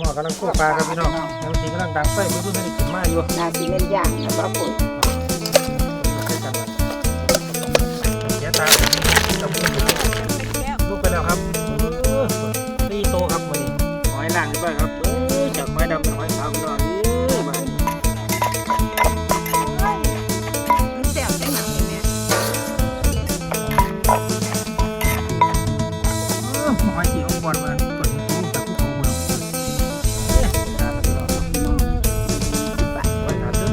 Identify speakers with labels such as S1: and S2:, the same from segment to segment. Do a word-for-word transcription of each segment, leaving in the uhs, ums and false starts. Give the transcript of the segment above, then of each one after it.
S1: ม้อกำลังคั่วปลาครับพี่น้องแล้วสีกำลังดังไฟไม่รู้ไม่ได้กินมาอยู่
S2: นาสีเล่นย่างนะบ้าปุ๋ย
S1: เสียตาลูกไปแล้วครับตีโตครับวันนี้หอยล่างนี่บ้างครับจากหอยดำเป็นหอยขาวพี่น้องนี่มา
S2: มันแซ่บจังหนังเนี่ย
S1: หอยสีของบอลมาก่อนที่จะคู่ของเราตามมาตลอดหอยขาดเด้อ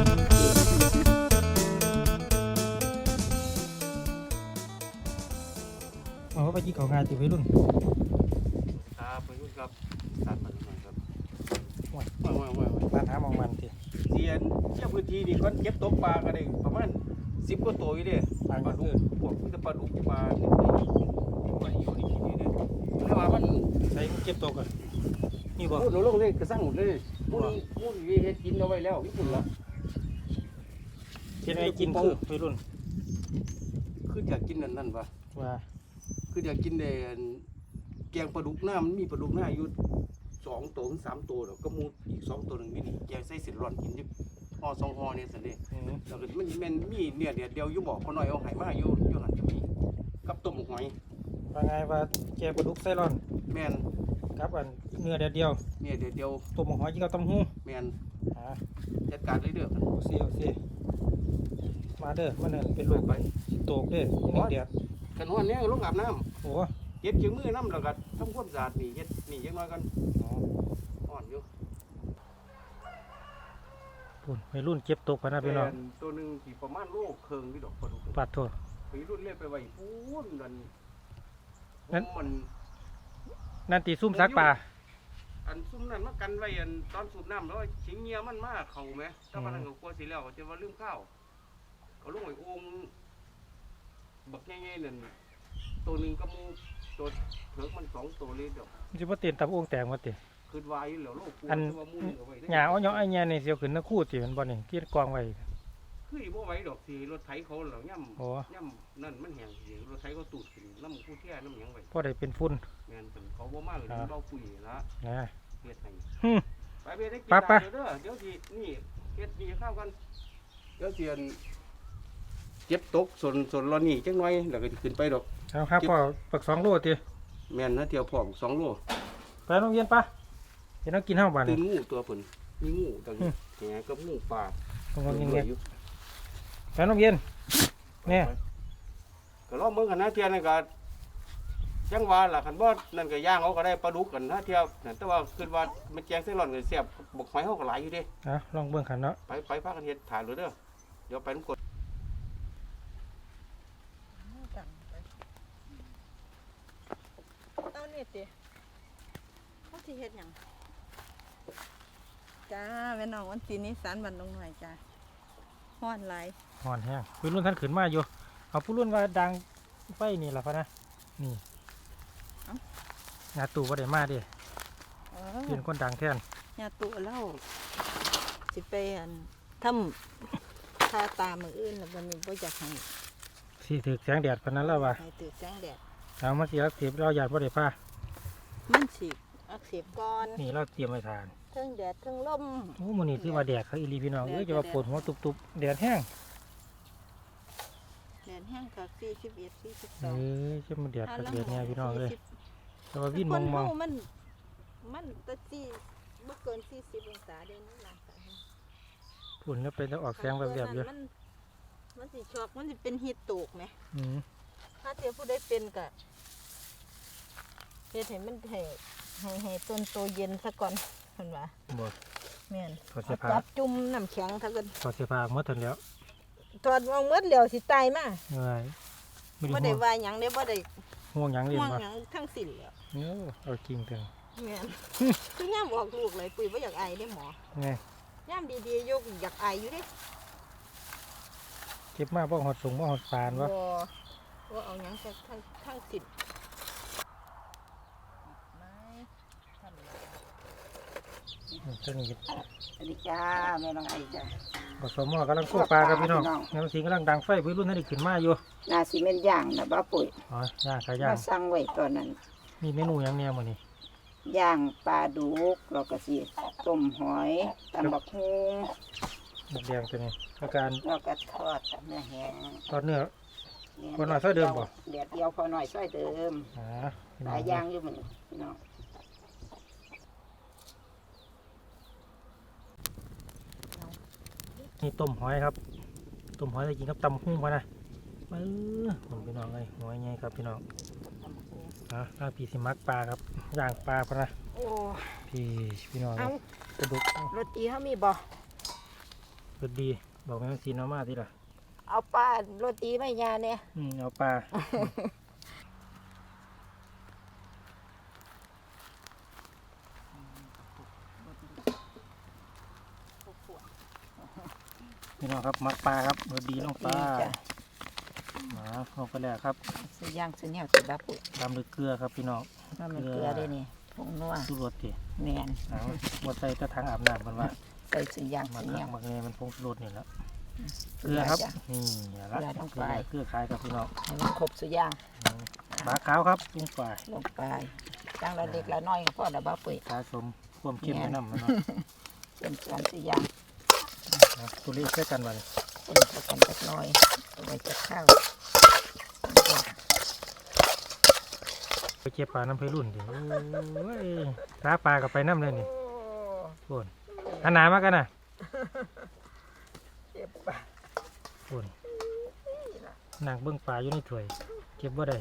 S1: อ๋อไปกินของงานติวัยรุ่น
S3: ครับวัยรุ่นครับตัดมันหน่อยครับ
S1: ว้าย
S3: ว้ายว้ายว้าย
S1: มาหามองมันสิ
S3: เสียนเชี่ยวพื้นที่นี่ก็เก็บตกปลากันเองประมาณสิบกว่าตัวอยู่เด้ปลาดุกพวกมันจะปลาดุกปลาเนี่ยปลาอยู่ในที่นี่เด้แล้วว่ามัน
S1: ใส่เก็บตกอ่ะนี่บ่
S3: พูดลงเลยกระสังหมดเลยพูดพูดเฮ็ดกินเอาไว้แล้วญี่ปุ่นละ
S1: กินไอ้กินคือวัยรุ่น
S3: คืออยากกินนั่นนั่นปะ
S1: ว่า
S3: คืออยากกินในแกงปลาดุกหน้ามันมีปลาดุกหน้าอยู่สองตัวถึงสามตัวแล้วก็มูอีกสองตัวหนึ่งนี่แกงใส่เส้นร้อนกินยิบห่อสองห่อเนี่ยสิเนี่ยแล้วก็มันมันมีเนี่ยเดียวเดียวอยู่บอกคนน้อยเอาไห้มาอยู่อยู่หันจะมีกับต้มหอย
S1: ว่าไงว่าแกปลาดุกไส้ร้อน
S3: แมน
S1: ครับอันเนื้อเดียวเดียว
S3: เนี่ยเดียวเดียว
S1: ตัวหมูหอยที่เขาตำหู้
S3: แมน
S1: อ่า
S3: จัดการเลยเด้อ
S1: โอเคโอเคมาเด้อมันนั่นเป็นลูกไปโตกเด้อนี่เดียว
S3: กันวันนี้ลงอาบน้
S1: โอ้
S3: ำเก็บจืดมือน้ำแล้วก็ทำความสะอาดนี่เฮ็ดนี่ยังน้อยกันอ่อนอยู่
S1: ปุ่นวัยรุ่นเก็บตกพะนะพี่น้อง
S3: ตัวหนึ่งที่ประมาณโลเคิงนี่ดอกปลาดุก
S1: ปัดโทษ
S3: วัยรุ่นเล่นไปไว้ปูนนั่น
S1: นั่น
S3: มัน
S1: นั่นตีซุ่มซักปลา
S3: อันซุ่มนั่นมากันไว้อันตอนสูบน้ำแล้วชิงเงียมันมาเข่าไหมถ้ามันก็กลัวสิแล้วจะว่าลืมข้าวเขาลงไอ้โอ่งบักง่ายๆนั่นตัวหนึ่งก็มูตัวเถิกมันสองตัวเลยเดียว
S1: มันจะมาเตียนตับโอ่งแตกมาติ
S3: คืนวายแล้วโลก
S1: อันหญ้าเอาเนาะไอ้แง่นี่เสียวขึ้นนะคู่ติมันบ่นี่ที่กองไว้
S3: คือบ่ไหวดอกสิรถไถเขาแล้วย่ำ
S1: โอ้
S3: ย่ำนั่นมันแห้งสิรถไถเขาตูดขึ้นน้ำผู้แท่น้ำหยังไว้
S1: พอได้เป็นฝุ่น
S3: แม่นเป็นเขาบ่มาเลยเบาปุ๋ยละ
S1: นะ
S3: เฮ็ดให้
S1: ฮึ
S3: ไปเฮ็ดได้กิน
S1: ไปไป
S3: เด้อเดี๋ยวสินี่เฮ็ดนี่ข้าวกันเดี๋ยวสิเก็บตกส่วนส่วนรอนี่จังหน่อยแล้วก็ขึ้นไปดอก
S1: เอาครับพ่อปักสองโลติ
S3: แม่นนะเที่ยวพร้อมสองโล
S1: ไปโรงเรียนปะเดี๋ยวเรากินข้าวบ้าน
S3: ตื่
S1: นี่
S3: นงูตัวเพิ่นมีงูตังแหงกับงูป่า
S1: ตรงนี้เงี้ยไปโรงเรียนเนี่ย
S3: ก็ลองเบิ่งกันนะเที่ยนั่นก็จังว่าล่ะคันบ่นั่นก็ย่างเอาก็ได้ปลาดุกกันนะเที่ยวนั่นแต่ว่าคิดว่ามันแกงเส้นร้อนก็แซ่บบกหอยเฮาก็หลายอยู่เด้
S1: เอาลองเบิ่งขันเนาะ
S3: ไปไปพากันเฮ็ดถ่ายเลยเด้อเดี๋ยวไปน้ำกด
S2: เอาเนี่ยติเขาสิเฮ็ดหยังจ้าแม่น้องวันที่นี้สารบันลงหน่อยจ้าฮ้อนหลาย
S1: ห่อนแห้งผู้รุ่นท่านขึ้นมาอยู่เอาผู้รุ่นว่าดังไฟนี่แหละพะนะนี่งาตู่ว่าได้มาดิ
S2: เออ
S1: เป็นคนดังแทน
S2: ญาตุเล่าสิไปอันทำทาตามืออื่นแล้ววันนี้บ่อยากให้
S1: สีถือแสงแดดพะนั้นแล้วว่า
S2: ให้ตื่นแสงแดด
S1: เอามาสีรักเสียบเราหยาดว่าได้ผ้า
S2: มันสิอักเสบก่อน
S1: นี่เราเตรียมไว้ทาน
S2: เทิงแดดเทิงลม
S1: โอ้มันนี่ที่ว่าแดดเขาอีรีพี่น้องเอ้ยจะว่าปวดหัวตุบๆแดดแห้ง
S2: แดดแห้งกับสี่สิบเอ็ดสี่สิบส
S1: เอ้
S2: อง
S1: ยจะมันแดดกับแดดเนี่ยพี่น้องเลยแต่ว่าวิ่งม
S2: ค
S1: อน งมอง
S2: เฮามันมันตะจี้บ่เกินสี่สิบองศาเด้นี่ล่ะค่ะ
S1: ฝุ่นแล้วไปแล้วออกแสงแบบแบบเยอะ
S2: มันมันสิช็อกมันสิเป็นฮีตโตกไหม
S1: อืม
S2: ถ้าเทียผู้ได้เป็นก็เฮ็ดให้มันให้ให้ให้ต้นโตเย็นซะก่อนเพิ่นว่า
S1: บ่
S2: แม่น
S1: ถอดเสื้อผ้า
S2: จับจุ่มน้ำแข็งถ้าเกิด
S1: ถอดเสื้อผ้าหมดทันแล้ว
S2: ถอดออกหมดแล้วสิตายมา
S1: เอ้ยไม่
S2: บ่
S1: ได้
S2: ได้
S1: ห่วง
S2: ว่าหยังเด้บ่ได้
S1: ห่วงหยังเรียน
S2: ห่วง
S1: มา
S2: หยังทั้งสิ้นแล้ว
S1: เอ้อเอาจริงเถอะ
S2: แม่น คือยามออกลูกเลยปุ้ยบ่อยากไอเด้หมอ
S1: ไง
S2: ยามดีๆยกอยากไออยู่เด้
S1: เก็บมาบ่หอดสูงบ่หอดปานวะ
S2: บ่ว่าเอาหยังจากทั้งทั้งสิ้นไม่ทำแล้ว
S1: เจ้านี่
S2: สวัสดีจ้าแม่น้องไอจ้า
S1: ผสมหม้อกำลังคั่วปลาครับพี่น้องแนวสีกำลังดังไฟพี่รุ่นท่านได้ขึ้นมาอยู่
S2: นาซีเมนต์ย่างนะบ้าปุ๋ย
S1: อ๋อย่างขายย่าง
S2: มาสั่งไว้ตอนนั้น
S1: มีเมนูหยังแนวมื้อนี้
S2: ย่างปลาดุกเราก็สิต้มหอยตำบักฮุง
S1: หมกแดงตัวนี้อาการ
S2: เราก็ทอดเนื้อแห้ง
S1: ทอดเนื้อ พอหน่อยซอยเดิมบ่
S2: เดียวเดียวพอหน่อยซอยเดิม
S1: อ่า
S2: หลายอย่างอยู่เหมือนพี่น้อง
S1: นี่ต้มหอยครับต้มหอยจะกินกับตำหุ้งมานะเออผมพี่น้องเลยหอยไงครับพี่น้องอ่ะถ้าพี่สิมักปลาครับย่างปลาพะนะ
S2: โอ้
S1: พี่พี่น้อง
S2: เอา
S1: กระดูก
S2: โรตีเขามีบ่
S1: รสดีบอกแม่ซีน้อมาที่ละ
S2: เอาปลาโรตีไม่ยาเนี่ย
S1: อืมเอาปลา พี่น้องครับมักปลาครับรสดีน้องปลา
S2: จ้ะ
S1: หมาลงไปแล้วครับ
S2: ซื้อย่างซื้อแนวสิบับปุ๋ย
S1: ตามด้วยเกลือครับพี่น้อง
S2: น้ำมันเกลือได้นี่ผงนัว
S1: สู้รสดิ
S2: แมน
S1: เอาบดใส่ตะถังอาบน้ำมันว่า
S2: ใส่ซื้อย่าง
S1: มั
S2: ซื้
S1: ก
S2: อแน
S1: คัก
S2: ว
S1: มักเนยมันพงชูรสนี่แหล้วเกลือครับ
S2: จ้ะ
S1: นี่อย่าละ
S2: เกลือลงไป
S1: เกลือคล้ายกับพี่น้อง
S2: ให้มันครบซื้อย่าง
S1: อืมปลาขาวครับลงไป
S2: ลงไปจังละเล็กละน้อยก็พอละบับปุ๋ย
S1: สะสมความเข้มไว้น้ำมันเนาะ
S2: เป็นส่วนซื้อย่าง
S1: เอาตัวเลขใช้กันวัน
S2: เป็นผสมจักหน้อยเอาไว้จะข้าว
S1: ไปเก็บปลาน้ำเพรุ่นดิโอ้ยสาปลากับไปน้ำเลยนี่โอนอันหนามากกันนะ
S2: เก็บปลา
S1: โอนนางเบิ้งปลาอยู่ในถ้วยเก็บบ่ได้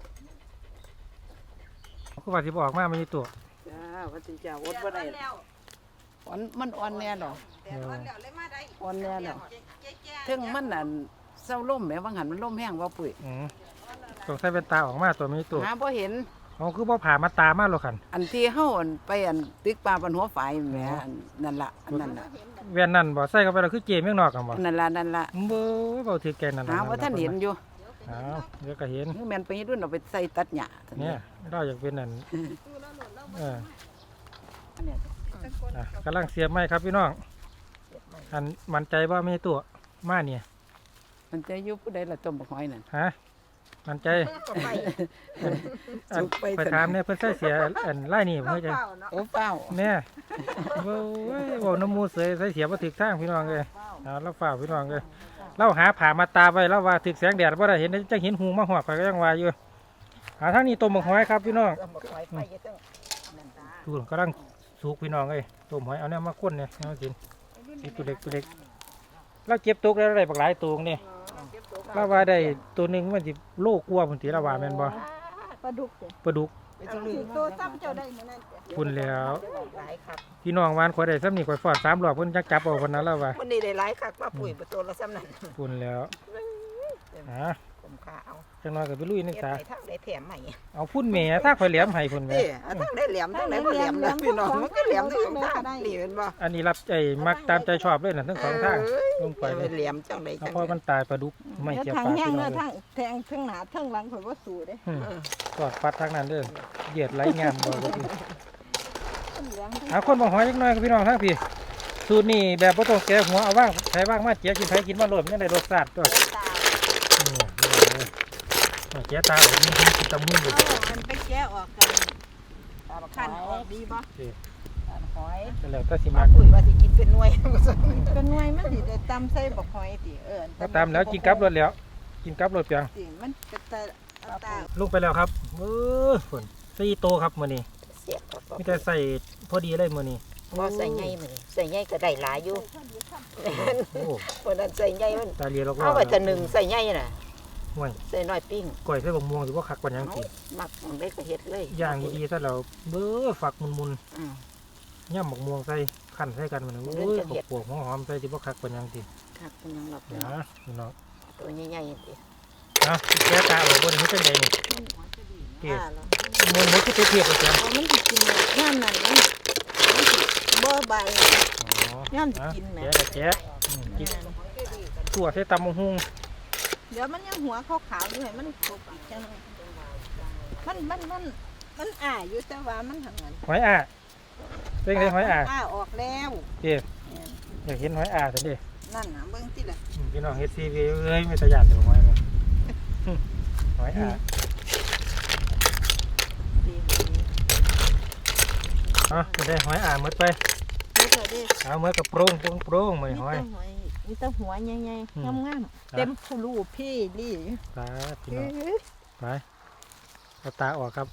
S1: ก็ว่าสิบออกมาไม่มีตัว
S2: จ้าวันที่จะวดบ่ได้อ่อนมันอ่อนแน่หรอ
S1: เดี๋ยว
S2: อ่อนแน่หรอถึงมันน่ะเศร้าล่มแหมบางหันมันล่มแห้งว่าปุ๋ย
S1: อืมต้องใส่เป็นตาออกมาตัวไม่มีตัว
S2: หาบ่เห็น
S1: เขาคือบ่ผ่ามาตามาหรอกขัน
S2: อันที่เฮาอันไปอันตึกปลาบนหัวฝายแหมอันนั่นล่ะอันนั่นล่ะ
S1: เวียนนั่นบ่ใส่เข้าไปแล้วคือเจมเมืองนอกกันบ่
S2: นั่นล่ะนั่นล่ะ
S1: เบ้อเบาถือแกนนั่น
S2: หาว่าท่านเห็นอยู่
S1: อ้าวเดี๋ยวก็เห็น
S2: คือแม่นไปรุ่นเอาไปใส่ตัดหญ้าท่า
S1: เนี่ยเราอยากเป็นนั่นเออ
S2: อันเนี้ย
S1: อ่ะกำลังเสียบไม้ครับพี่น้องอันมั่นใจว่าไม่ใช่ตัวมาเนี่ย
S2: มันจะอยู่ผู้ใดล่ะต้มบักหอยนั่น
S1: ฮะมั่นใจ
S2: ไป
S1: อัน
S2: สุกไป
S1: ไปถามเนี่ยเพิ่นใส่เสียอันไล่นี่เพิ่นจะ
S2: โอ้เป้า
S1: เนี่ยโว้ยบ่น้ำมูเสยใส่เสียบ่ถึกทางพี่น้องเลยเอาแล้วฝ่ากพี่น้องเลยเราหาผ่ามาตาไว้แล้วว่าถึกแสงแดดบ่ได้เห็นจังเห็นหูมาหอกข่อยก็ยังว่าอยู่หาทางนี้ต้มบักหอยครับพี่น้อง
S2: ต้มบักหอยไปอยู่ตั้งนั่นตา
S1: ดูกำลังสุกพี่น้องเอ้ยต้มหอยเอาเนี่ยมาข้นเนี่ยเอากินนี่ตัวเล็กตัวเล็กเราเก็บตุกแล้วได้บักหลายตัวนี่เราว่าได้ตัวหนึงมันสิโลกว่าพุ่นติละว่าแม่นบ่
S2: ปลาดุกเด้
S1: ปลาดุก
S2: ตัวซ้ำเจ้าได้มื้อนั้น
S1: พุ่นแล้ว
S2: หลายครับ
S1: พี่น้องวานข่อยได้ซ้ำนี่ข่อยฟอดสามรอบเพิ่นจักจับเอาเพิ่นนั้นแล้วว่า
S2: วันนี้ได้หลายคักป้าปุ๋ยประตูละซ้ำนั่น
S1: พุ่นแล้วฮะ
S2: ผมค่าเอา
S1: จังน้อยก็ไปลุยนึง
S2: เฮ็ด
S1: ตา
S2: ไปทางได้แถมใหม่
S1: เอาพุ่นแหม่ถ้าข่อยแหลมให้พุ่นแหม่
S2: นี่เอาทางได้แหลมทางไหนบ่แหลมนะพี่น้องมันก็แหลมทั้งสองทางนี่เห็นบ่
S1: อันนี้รับใจมักตามใจชอบเลยน่ะทั้งสองทางลงไปเลย
S2: แหลมจังได๋
S1: เอา
S2: จัง
S1: พอมันตายปลาดุกไม่เกี่ยวปลาพี่น้องเลย
S4: แทงทั้งหนาทั้งหลังข่อยว่าสู้เด้
S1: อืมกอดปัดทางนั้นเด้อเหยียดไหลงามบ่บ่พี่
S4: ทั้งเหลืองทั้ง
S1: หาคนบ่หอยจักหน่อยครับพี่น้องทางพี่สูตรนี้แบบบ่ต้องแกะหัวเอาว่างใช้ว่างมาเจียกินไผกินมาโลดมันยังได้รสชาติตัว
S4: ตา
S1: นี่นี่เอาเจียตาออกนี่กินตะมุนอยู่
S4: เอาอันไปแกะออกกัน
S2: ขั
S4: ขั
S2: น
S4: น
S2: อ
S4: อ
S2: อ
S4: อก กดีบ่
S2: หอย
S1: ก็แล้วแต่สิ
S2: ป้า
S1: มัก
S2: ปุ๋ยว่าสิกินเป็นหน่วย
S4: เป็นหน่วยมันสิได้ตำใส่บักหอยติเออ
S1: ก็ตามแล้วกินกับรสแล้ว กินกับรสเปียง
S4: สิมันเป็นตาเอาตา
S1: ลงไปแล้วครับเออฝนสี่โตครับมื้อนี้
S2: เสียบครับ
S1: มีแต่ใส่พอดีเลยมื้อนี้
S2: บ่ใส่ใหญ่มื้อนี้ใส่ใหญ่ก็ได้หลายอยู่
S1: โอ้
S2: วันนั้นใส่ใหญ่มัน
S1: ตาเลียลอกๆ
S2: เอาไว้แต่หนึ่งใส่ใหญ่น่ะ
S1: ห่วย
S2: ใส่น้อยปิ้ง
S1: ก้อยใส่บักม่วงสิบ่คักปานหยังสิ
S2: มักมันได้ก็เฮ็ดเลย
S1: ย่างดีๆซะแล้วเบ้อฝักมุน
S2: อืม
S1: ๆย่ำบักม่วงใส่คั่นใส่กันมันโอ้ยบักปวกหอมๆใส่สิบ่คักปานหยังสิ
S2: ครับเป็นหยังหลับ
S1: นะพี่น้อง
S2: ตัวใหญ่ๆสิ
S1: เอาแก้ตาเอาบ่ได้เฮ็ดจังไดนี่เกี่ย
S4: อ่าแล้ว
S1: มันมันคือเทียบๆกันจ้ะ
S4: เอามันสิกินย่ามนั้นมันมันสิบ่ใบ
S1: อ๋อ
S4: ย้ำสิกินแหม
S1: แกะแกะอืมกินตัวใส่ตำบักหุ่ง
S4: เดี๋ยวมันยังหัวขาวๆอยู่ให้มันครบอีกจังหน่อยมันมันมันมันอ่าอยู่แต่ว่ามันทำงาน
S1: หอยอ่ะเป็นไงหอยอ่ะ
S4: อ่าออกแล้ว
S1: เกี่ยอยากเห็นหอยอ่ะซั่นดิ
S4: นั่นน่ะเบิ่งติล่ะ
S1: อืมพี่น้องเฮ็ดซีวีเอ้ยไม่ตะยานเด้อหอยมันหอยอ่ะ
S4: ดี
S1: อ่ะจะได้หอยอ่างหมดไป
S4: เดี๋ยวเดี๋ยวเดี๋ยว
S1: เอาเมื่อกับโปร่งโปร่งโปร่งมา
S4: มี
S1: หอย
S4: แต่หอยมีแต่หัวใหญ่
S1: อืม
S4: ๆงามๆเต็มผู้ลูกพี่ลี่
S1: ไปพี่น้องไปเอาตาออกครับ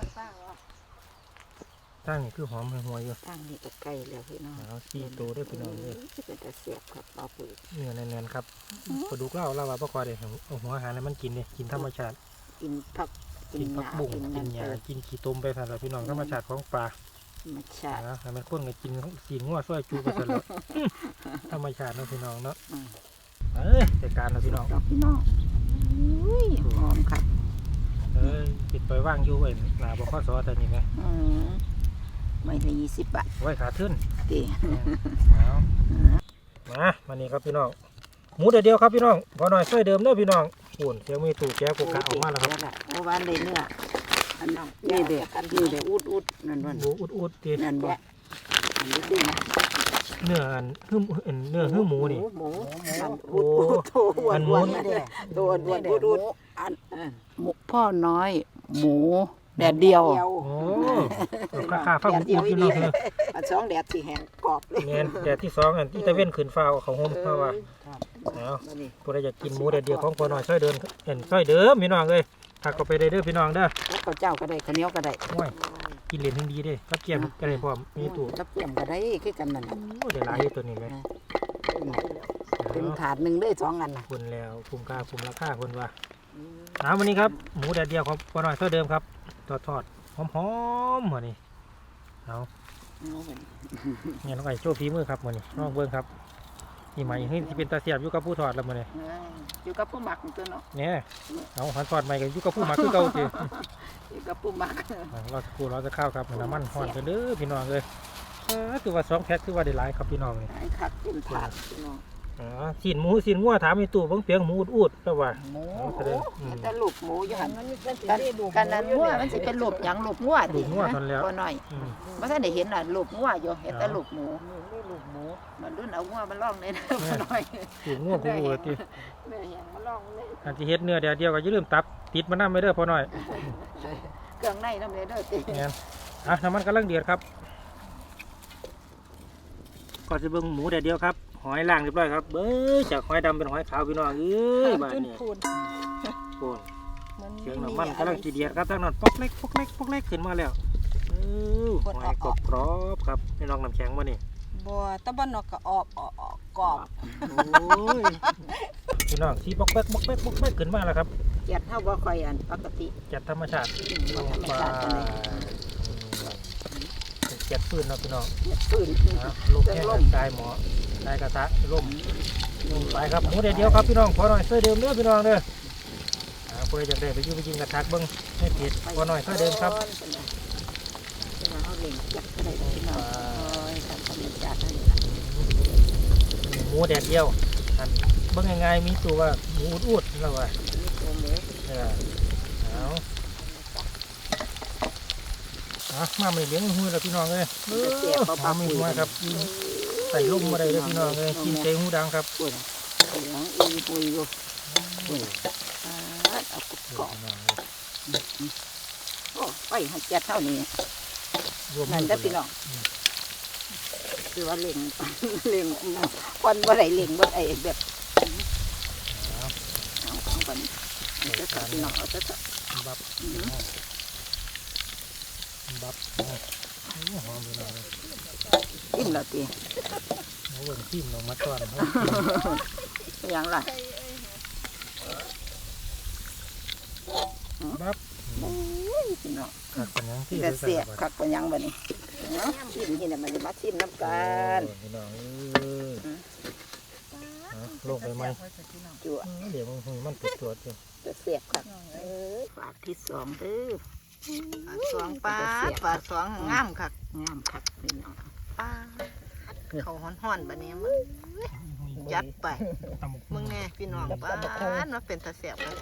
S1: ตั้งนี่คือหอมหัวอยู่
S2: ทางนี้ก็ใกล้แล้วพี่น้อง
S1: เอาสี่ตัวด้วยพี่น้องเลย
S2: เป็นตะเสียบครับปลาปืด
S1: เนื้อแน่นๆครับปลาดุกเล่าเล่าว่าปลาคอเด็กเอาหัวอาหารให้มันกินเนี่ยกินธรรมชาติ
S2: กินผัก
S1: กินผักบุ้งกินหญ้ากินขี้ต้มไปสั่นละพี่น้องธรรมชาติของปลา
S2: ธรรมชาติ
S1: นะให้มันข้นกับกินกินงัวซอยจูไปสั่นละ ธรรมชาติเนาะพี่น้องเนาะเอ้ยจัดการนะพี่น้อง
S2: ดอกพี่น้องอุ้ยหอมครับ
S1: เอ้ยปิดไปว่างอยู่ไว้หนาบ่ข้อซอแต่นี่ไง
S2: อืมไม่ละยี่สิบบาท
S1: ไว้ขาทึ้น
S2: ตี
S1: เอามามานี่ครับพี่น้องหมูเดียวเดียวครับพี่น้องพอหน่อยซอยเดิมเด้อพี่น้องปุ่นเสียงมีตู่แก้วกุกกะออกมาแล้วครับ
S2: เมื่อวานได้เนื้ออันน้องนี่เด็กนี่เด็กอุดอุดนั่นวัน
S1: หมูอุดอุดตี
S2: นั่นบ่อันนี้ดีนะ
S1: เนื้ออันหึ่มอันเนื้อหึ่มหมูนี่
S2: หมู
S1: โอ้
S2: อุดอุดตัวอ้ว
S1: อั
S2: น
S1: นหมู
S2: อ้วนนะเด็กตัวอ้วนอุดอุดอันหมูพ่อน้อย หมูแดดเดียว
S1: โอ้ข้าข้าฟ้าอุดอุดพี่น้องเออ
S2: อันสองแดดสีแห้งกรอบเลย
S1: แม่นแดดที่สองอันที่ตะเว้นขึ้นฟ้าเอาเขาห่มเพราะว่าเอา
S2: มานี่
S1: ผู้ใดอยากกินหมูเดียวเดียวของพอหน่อยซอยเดินเห็นซอยเดิมพี่น้องเลยถ้าก็ไปได้เด้อพี่น้องเด้อ
S2: แล้วข้าวเจ้าก็ได้ข้าวเหนียวก็ได้
S1: โอ้ยกินเหรียญทั้งดีเด้กับเกียมกันเลยพร้อมมีตู่
S2: กับเกี่ยมก็ได้คือกันนั่น
S1: โอ้เดี๋ยวหลายอยู่ตัวนี้เลย
S2: เป็นถาดหนึ่งได้สองอันนะ
S1: คุณแล้วคุ้มค่าคุ้มราคาคุณว่าเอาวันนี้ครับหมูแดดเดียวของพอหน่อยซอยเดิมครับทอดทอดหอมหอมๆเหมือนนี่เอาเนี่ยน้องไก่โจ้ฝีมือครับเหมือนนี่น้องเบิ้งครับนี่หมายถึงที่เป็นตาเสียบอยู่กับผู้ทอดแล้วเหมือนนี่
S2: อยู่กับผู้หมักตัวเนาะ
S1: เนี่ยเอาหันทอดใหม่กันอยู่กับผู้หมักคือเก่าสิ
S2: อยู่กับผู้หมัก
S1: อ่าเราจะกูเราจะเข้าวครับน้ำมันห่อนกันเด้อพี่น้องเลยเออคือว่าสองแพ็คคือว่าได้หลายครับพี่น้องนี่
S2: ไอ้ขัดเต็มถาดพี่น้อง
S1: อ๋อสินหมูสินงัวถามมีตู้เบิ่งเปียงหมูอุดๆแล้วว่า
S2: หมู
S1: เอาแสดงอืม
S2: แต่ลูกหมูอยู่หัน
S4: มันเป็นสี
S2: กัน
S4: ได้ดู
S2: กันนั้นงัวมันสิเป็นลูกหยังลูกงัว
S1: ลูกงัวทนแล้ว
S2: พอหน่อย
S1: อืม
S2: บ่ทันได้เห็นน่ะลูกงัวอยู่เห็นแต่ลูกหมู
S4: ได้ลูกหมู
S2: มันรุ่นเอางัวมันล่องเลยนะพอหน่อย
S1: ลูกงัวกูวัวติ
S2: แม่ยังมาล่องเลย
S1: อันที่เฮ็ดเนื้อเดียวเดียวก็อย่าลืมตับติดมันน้ำไม่เด้อพอหน่อย
S2: เครื่องในน้ำเลยเด้อติ
S1: งั้นอ่ะน้ำมันกำลังเดือดครับก่อนจะเบิ่งหมูเดียวเดียวครับหอยล่างเรียบร้อยครับเบ้อจากหอยดำเป็นหอยขาวพี่น้องเอ้ยบ้าน
S4: จุน
S1: นี้
S4: พูน
S1: โอ้ย
S4: มัน
S1: เสียงน้ำมันกำลังจีเดียดครับตั้งนั้นปอกเล็กปอกเล็กปอกเล็กขึ้นมาแล้วเออหอยกรอบกรอบๆครับนี่น้องน้ำแข็งมานี่
S4: บัวตะบันนอกก็ออกออกออกกรอบ
S1: โอ้ยพี่น้องสีปอกแป๊กปอกแป๊กปอกแป๊กขึ้นมาแล้วครับ
S2: เกียดเท่าบ่ค่อยอันปกติ
S1: จัดธรรมชาติ
S2: ธรรมชาติกันเลย
S1: เจ็ดฟืนเนาะพี่น้อง
S2: เกียดฟื้น
S1: นะลูกแค่กายหมอกายกระทะร่มไปครับหมูเดียวเดียวครับพี่น้องพอหน่อยเสื้อเดิมเด้อพี่น้องเด้ออ่าเพื่อจะได้ไปอยุ่งไปยิงกระทักเบิ้งให้เผ็ดพอหน่อยเสื้อเดิมครับ
S2: เอาเหล่งจับก็ได้พี่น้องโอ้ยธรรมชาตินี่
S1: หมูแดดเดียวอันเบิ้งง่ายๆมีตัวว่าหมูอุดๆแล้วว่า
S2: นี่ตัวหมู
S1: เออเอาอ่ะมาไม่เลี้ยงหูแล้วพี่น้องเลยเออหอมไม่หัวครับใส่ลมมาได้เลยพี่น้องเลยกินเตหูดังครับ
S2: ปวดเหลืองอีปุยอยู่ปวดเอากรอบโอ้ไปให้เจ็ดเท่านี้นั่นได้พี่น้องคือว่าเล่งเล่งคนบ่ได้เล่งบ่ได้แบบเอาเอาไปจะตัดพี่น้องเอาจะตัด
S1: บับบับหอมพี่น้องเลย
S2: กินแล้วตี
S1: เอาเบิ่งทิ่มลงมาก่อน
S2: อย่างไร
S1: บับ
S2: พี่น้อง
S1: ขัดกันยังที่
S2: จะเสียบคักเป็นยังบ่นี่เนาะชิมที่นี่มันมาชิมน้ำกัน
S1: พี่น้องเออโลกไปไหม
S2: จั่ว
S1: เดี๋ยวมันมันติดตัวอยู่
S2: จะเสียบคักเออฝากที่สองเด้อ
S4: สองปลาปลาสองงามคัก
S2: งามคักพี่น้อง
S4: ปลาเขาห่อนๆแบบนี้มึงยัดไปมึงแน่พี่น้องปลามันเป็นตะเสียบเลย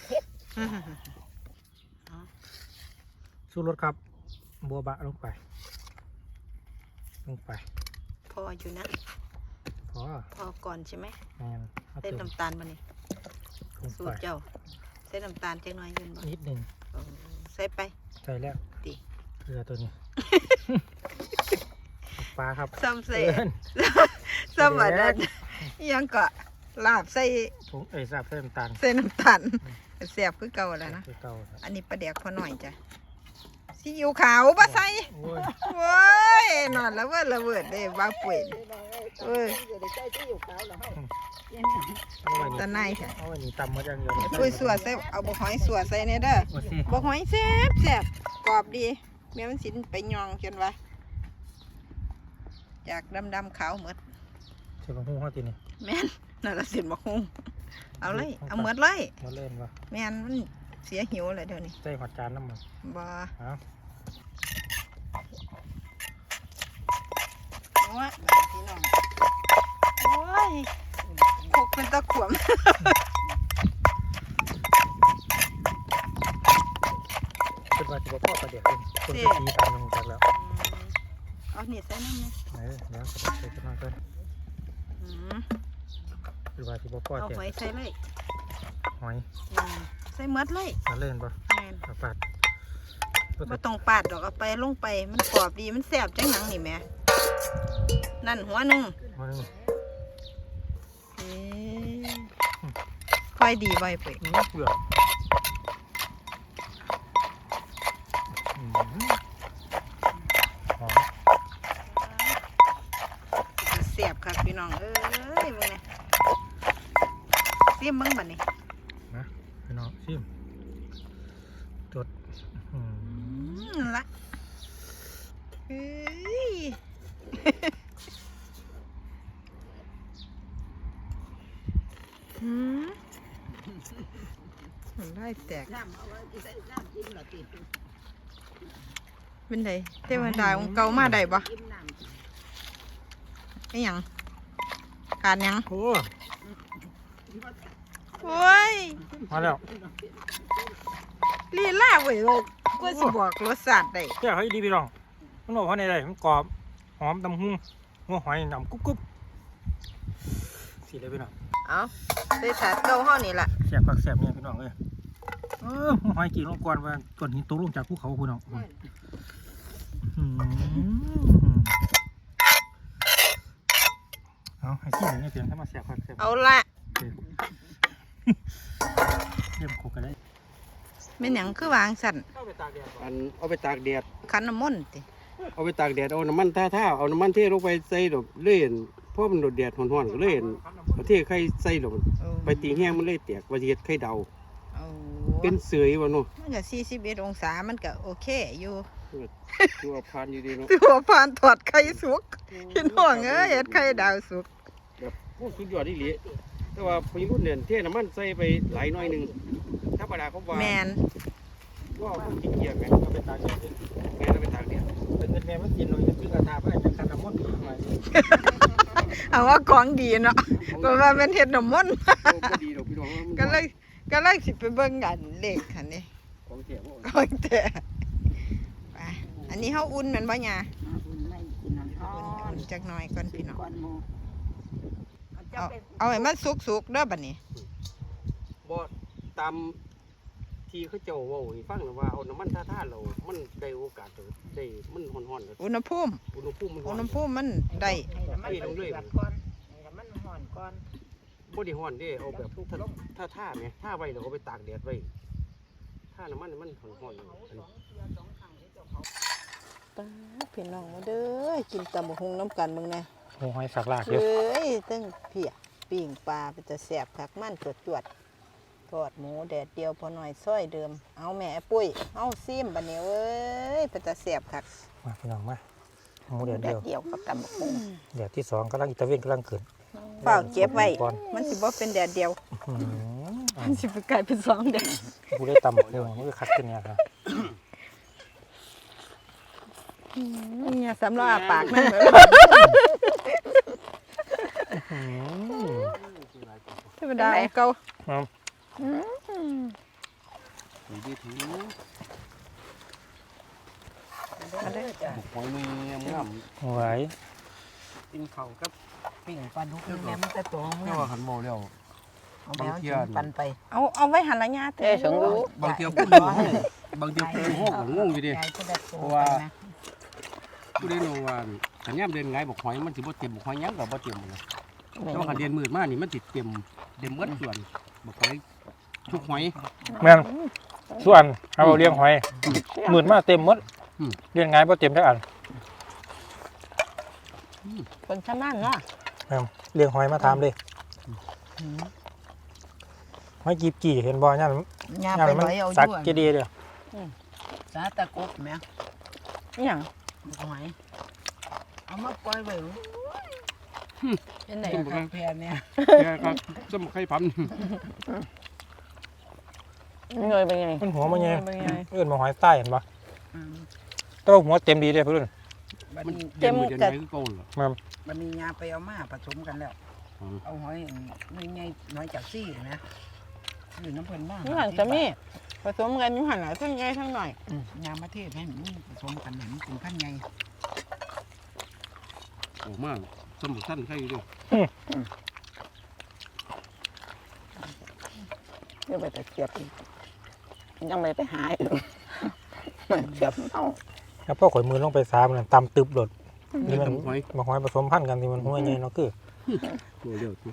S1: สู้รถครับบัวบะลงไปลงไป
S4: พออยู่นะ
S1: พอ
S4: พอก่อนใช่ไหม
S1: แมนเอา
S4: เส้น
S1: เติม
S4: น้ำตาลมานี่
S1: ลง
S4: สู
S1: ไป
S4: ตรเจ้าเส้นน้ำตาลเจ๊น้อยยืนบ่
S1: นิดหนึ่ง
S4: ใส่ไป
S1: ใส่แล้ว
S4: ติ
S1: เกลือตัวนี้ปลาครับ
S4: ซ้ำใส่
S1: เอิ้น
S4: ซ้ำอันนั้นยังก็ลาบใส่
S1: ถุงเอ้ยทราบเส้นน้ำตาล
S4: ใส่น้ำตาลแซ่บคือเก่าแล้วนะ
S1: คือเก่าครับ
S4: อันนี้ปลาแดกพอหน่อยจ้ะซีอิ๊วขาวบ่ใส่
S1: โอ้ย
S4: โว้ยนอนแล้วเวิดละเวิดเด้บ้าป่วยเอ้ย
S1: เอาไว้
S4: ตะ
S1: นี่
S4: ไนค่ะ
S1: เอาไว้นี่ตำมาอย่างเดียว
S4: ปุ้ยสัวใส่เอาบ่หอยสัวใส่แน่เด้อ
S1: โอ้สิ
S4: บ่หอยแซ่บแซ่บกรอบดีแม่มันสิไปยองจนว่าจากดำๆขาวหมด
S1: เชื่อของหูเขาทีนี่
S4: แม่นนั่นละสินบ่ฮู้เอาเลยเอาหมดเลย
S1: มาเล่นวะ
S4: แม่นมันเสียหิวเลยเดี๋ยวนี้
S1: ใส่หอดจานน้ำมัน
S4: บ่
S1: เอา
S4: โอ้ยพี่น้องโอ้ยพกเป็นตะขวม
S1: เป็นว่าจะบอกพ่อประเดี๋ยวเป็นคนที่ตีตามลงจากแล้ว
S4: เอานี่ใส่น้ำนี่
S1: เออเดี๋ยวจะใส่ขึ้นมาก่อน
S4: อืม
S1: เป็นว่าจะบอกพ่อ
S4: เอา
S1: แจก
S4: หอยใส่เลย
S1: หอย
S4: อืมใส่หมดเลย
S1: มาเล่นปะ
S4: แม่น
S1: เอาปาด
S4: บ่ต้องปาดดอกเอาไปลงไปมันกรอบดีมันแซ่บจังหยังนี่แหม่นั่นหัวหนึง
S1: มาหนึ่ง
S4: เอ้ยค่อยดีไว้ไป
S1: อื้อเปลือกอืมหอม
S4: แซ่บครับพี่น้องเอ้ยมึงเนี่ยซิมมึงบัดนี้
S1: นะพี่น้องชิมจดอืม
S4: อืมละเอ้ย หืมมันได้แตกเป็นไดเทวดาของเก่ามาได้ปะไอ้หยังขาดหยัง
S1: โอ้
S4: โอ้ย
S1: มาแล้ว
S4: ลีลาเว้ยเว้ยก็สิบอกรสชาติได้
S1: แก้วให้ดีพี่น้องมันบอกว่าในไรมันกรอบหอมตำหุ้งหัวหอยดำกรุบกรุบสีเลยพี่น้อง
S4: เอาใส่ถาดเก่าเฮานี่ล่ะ
S1: แสบผักแสบเนี่ยพี่น้องเอ้ยเออหัวหอยกี่ลงก่อนว่าก้อนหินตกลงจากภูเขาพี่น้องอืมเอาให้ขี้หนึ่งเนี่ยเพียงถ้ามาแสบผักแสบ
S4: เอาละ
S1: เริ่มโคกันได้
S4: แม่นหยังคือวางสั่น
S1: เข้าไปตากแดด
S3: อันเอาไปตากแดด
S4: คันน้ำมนต์ติ
S3: เอาไปตากแดดเอาน้ำมันท่าท่าเอาน้ำมันเทลงไปใส่ดอกเล่นเพราะมันโดดแดดห่อนๆก็เล่นเอาเทไข่ใส่ดอก
S4: เอา
S3: ไปตีแห้งมันเลยแตกว่าจะเฮ็ดไข่เดา
S4: เอา
S3: เป็นเสยวะเนาะ
S4: มันก็สี่สิบเอ็ดองศามันก็โอเคอยู่
S3: ตัวพานอยู่ดีเนาะ
S4: ตัวผ่านถอดไข่สุกพี่น้องเอ้ยเฮ็ดไข่ดาวสุก
S3: แบบโอ้สุดยอดอีหลีแต่ว่าพอรุ่นเนี่ยเทน้ำมันใส่ไปหลายหน่อยหนึงธรรมดาเขาว่า
S4: แมน
S3: ว่าคนขี้เกียจแม่
S1: เอาไปตากแดด
S3: แม่เอาไปตากแดด
S1: เป็นเงินแม่มันกินหน่อยมันคือกระทาเพื่อจะกันน้ำมันต์หน่อย
S4: เอาว่าของดีเนาะเพราะว่าเป็นเฮ็ดน้ำมนต์
S3: โอ้บ่ดีดอกพี่น้อง
S4: ก็เลยก็เลยสิไปเบิ่งกันเลขคันนี้
S3: ของเสียบ่
S4: ก็แต่ไปอันนี้เฮาอุ่นแม่นบ่หยา
S2: อุ่นไม่กินน้ำร้อ
S4: อุ่
S2: น
S4: นจักหน่อยก่อนพี่น้อง
S2: ก่อนหมู
S4: เอาเอาให้มันสุกๆเด้อบัดนี้
S3: บ่ตามที่เขาเจ้าเว้าให้ฟังน่ะว่าเอาน้ำมันท่าๆเรามันได้โอกาสได้มันฮ้อนๆแล้ว
S4: อุณหภูมิ
S3: อุณหภูมิมันร้
S4: อุ
S3: อ
S4: ณ
S3: น
S4: หภูมิมันได้
S2: ให้น้ำมันเดือดก่อนให้น้ำมันห่อนก่อน
S3: บ่ได้ฮ้อนเด้เอาแบบท่าท่าๆแหมท่าไว้แล้วเอาไปตากแดดไว้ท่าน้ำมันมันฮ้อนๆอันนี้
S4: ป๊าดพี่น้องมาเด้อกินตำบักหุ่งน้ำกันมึงแน่
S1: โอ้ยสักลากเย
S4: เอ้
S1: อะ
S4: ยตั้งเพียปิ้งปลาเป็นจะแสบคักมันจวดจวดๆทอดหมูแดดเดียวพอหน่อยซ้อยเดิมเอาแม่ปุ้ยเอาซิมบัดนี้เอ้ยเป็นจะแสบคัก
S1: มาพี่น้องมาหมูเดียว
S2: แด
S1: เดี
S2: ด
S1: ยว
S2: เดียวกับตำบักหุ่ง
S1: เดี๋ยวที่สองกำลังอิตาเวนกำลังเกิด
S4: เปล่าเก็บไว้
S1: ก่อน
S4: มันสิบ่เป็นแดดเดียว
S1: อืมอ่ะ
S4: มันสิไปกลายเป็นสองแดด
S1: กูได้ตำหมดเลยมันก็คัดขึ้นเนี่ยครับ
S4: เนี่ยสำหรับอาปากนั่นเลย
S1: อืม
S4: ธรรมดาของเก่า
S1: เอา
S4: อืม
S3: นี่ดีถือ
S4: มาเด้อจ้ะ
S3: หอยนี่งาม
S1: ไหว
S3: ๆกินข้าวกับ
S2: ปิ้งปลาดุกแม่มันจะตัว
S3: แม่ว่าหันเมาแล้ว
S2: เอาแมวกินปันไป
S4: เอาเอาไว้หันละญาติ
S2: เอ้ยสงรู้
S3: บางเที่ยวพูดอยู่บางเที่ยวพูดอยู่ห้องก็งงอยู่ดิ
S2: ยายจะได้ตัว
S3: เพราะ
S2: ไป
S3: ว่า
S2: นะ
S3: ผู้ใดรู้ว่าขันย่ำเดินไงบอกหอยมันสิบ่เต็มบอกหอยยังกับบ่เต็มเลยแต่ว่าขันเดินมืดมากนี่มันติดเต็มเต็มเบิดส่วนบอกหอยทุกหอย
S1: แม่นส่วนเอาเลี้ยงหอยหมื่นมาเต็มหมดเลี้ยงไงบ่เต็มจักอัน
S4: คนชำนาญเนาะ
S1: แม่นเลี้ยงหอยมาถามเลยหอยกีบกี่เห็นบ่ย่าน
S2: ยา
S1: ย่าน
S2: ไป
S1: มัน
S2: ร้อยเอา
S1: สัก
S2: ด้วย
S1: เจดีย์เด้อ
S2: สาตะกบแม่
S4: อหย่าง
S2: บอกหอยเอามาปล่อยไว้เป็นไหนครับแพรเนี่ย
S3: แกครับสมไข่พัน
S4: เงยเป็นไง
S1: มันหัวมันไง
S4: เป็นไง
S1: เอื้อนมาหอยใต้เห็นปะแต่ว่าหัวเต็มดีเลยเพื่อน
S2: บัด
S3: มัน
S2: นี้
S3: เดินมืดเดินไงคือโกนเหรอ
S2: บัดนี้ยาไปเอามาผสมกันแล้ว
S3: อืม
S2: เอาหอยนี่ไงน้อยจากซี่นะอยู่น้ำเพิ่นบ้าง
S4: นี่หันจะมีผสมกันอยู่หันหลายทั้งใหญ่ทั้งหน่อย
S2: ยามาเทศให้มันผสมกันให้มันเป็นพันธุ์ใหญ่
S3: โอ้มากสมุนสั้นใช่ด้วย
S4: เดี๋ยวไปตะเกียบอีกยังไม่ไปหาอยู่เกียบเอา
S1: แล้วพ่อข่อยมือลงไปสามนั่นตำตึบหลดนี่มัน
S3: หอย
S1: มาหอยผสมพันธุ์กันที่มันหัวใหญ่เนาะคือ
S3: ตัวเดียวสิ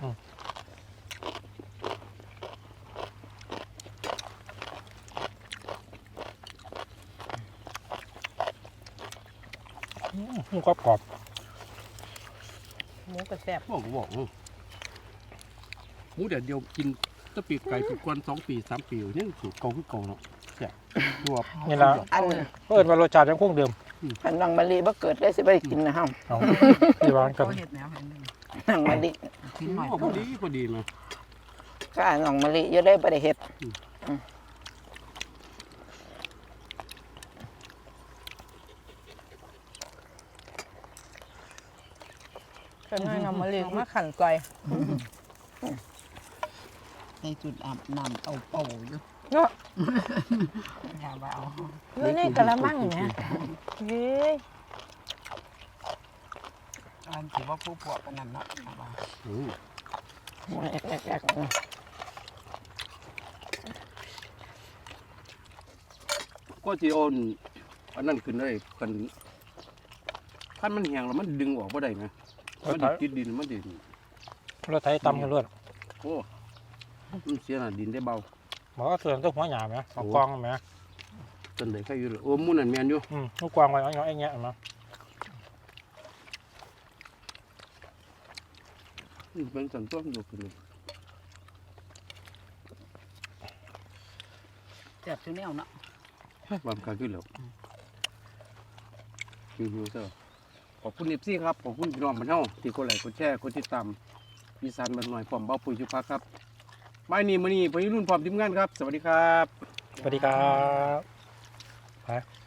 S1: มันกรอบกรอบ
S4: หมูกระแซ่บ
S3: บอกก็บอกหมูเดี๋ยวเดียวกินตะปีกไก่ปีกกวนสองปีสามปียังสูตรเก่าคือเก่าเนาะแซ่บตัว
S1: นี่ละ
S2: อัน
S1: เพิ่นว่ารสชาติยังคงเดิม
S4: อันนังมะลิบ่เกิดได้สิไปกินนะฮะ
S1: เอาที่วางกัน
S2: เขาเห็ดแนวเห็นหนึ่ง
S4: นังมะลิ
S2: ชิ้นหน่อย
S3: พอดีพอดีมา
S4: ก็อันนังมะลิอยู่ได้บ่ได้เฮ็ดก็น้อยนังมะลิมาขันก่อย
S2: ในจุดอาบน้ำเอาเป่าอยู่
S4: เนาะ
S2: อย่าว่าเอา
S4: อยู่ในกะละมังเนี่ยเฮ้ย
S2: อันถือว่าผู้พวกกันนั่นเนาะเอาว่า
S3: อืม
S4: แอกแอกแอก
S3: ก็จีโอนอันนั้นขึ้นได้กันขั้นมันแห้งแล้วมันดึงออกบ่ได้ไหมมันดิติดดินมันดิน
S1: รถไถตำกันรวด
S3: โอ้มันเสียหน้าดินได้เบา
S1: บอกว่าส่วนตัวหัวหยาบไหมเอากองไหม
S3: จนได้แค่อยู่เลยโอ้มุ่นนั่นแมนอยู่
S1: อืมลูกกวางไว้เอาเอาไอ้เงี้ยมา
S3: นี่เป็นสันต้นอยู่ขึ้นเลย
S2: แซ่บทุกแนวเนาะ
S3: บางการขึ้นแล้วคิวๆเถอะขอบคุณเอฟซีครับขอบคุณพี่น้องบ้านเฮาที่กดไลค์กดแชร์กดติดตามอีสานบ้านหน่อยพร้อมเบ้าปุ๋ยชุพักครับบ่ายนี้มื้อนี้พี่รุ่นพร้อมทีมงานครับ สวัสดีครับ
S1: สวัสดีครับไป